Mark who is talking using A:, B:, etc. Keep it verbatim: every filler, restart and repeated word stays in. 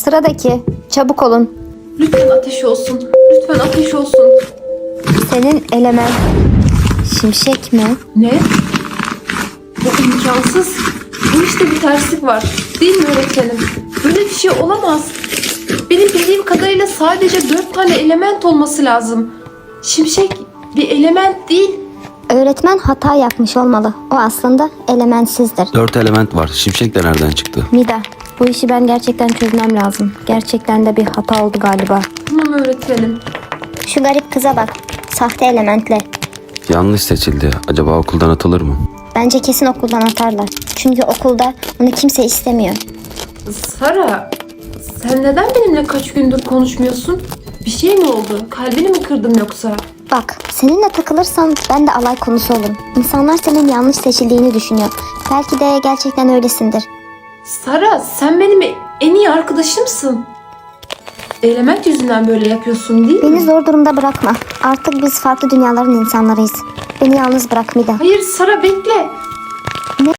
A: Sıradaki. Çabuk olun.
B: Lütfen ateş olsun. Lütfen ateş olsun.
A: Senin element. Şimşek mi?
B: Ne? Bu imkansız. Bu işte bir terslik var. Değil mi öğretmenim? Böyle bir şey olamaz. Benim bildiğim kadarıyla sadece dört tane element olması lazım. Şimşek bir element değil.
A: Öğretmen hata yapmış olmalı. O aslında elementsizdir.
C: Dört element var. Şimşek de nereden çıktı?
A: Mida, bu işi ben gerçekten çözmem lazım. Gerçekten de bir hata oldu galiba.
B: Tamam öğretmenim.
A: Şu garip kıza bak. Sahte elementle.
C: Yanlış seçildi. Acaba okuldan atılır mı?
A: Bence kesin okuldan atarlar. Çünkü okulda bunu kimse istemiyor.
B: Sara, sen neden benimle kaç gündür konuşmuyorsun? Bir şey mi oldu? Kalbini mi kırdım yoksa?
A: Bak, seninle takılırsan ben de alay konusu olurum. İnsanlar senin yanlış seçildiğini düşünüyor. Belki de gerçekten öylesindir.
B: Sara, sen benim en iyi arkadaşımsın. Element yüzünden böyle yapıyorsun değil
A: Beni
B: mi?
A: zor durumda bırakma. Artık biz farklı dünyaların insanlarıyız. Beni yalnız bırak Mida.
B: Hayır Sara bekle.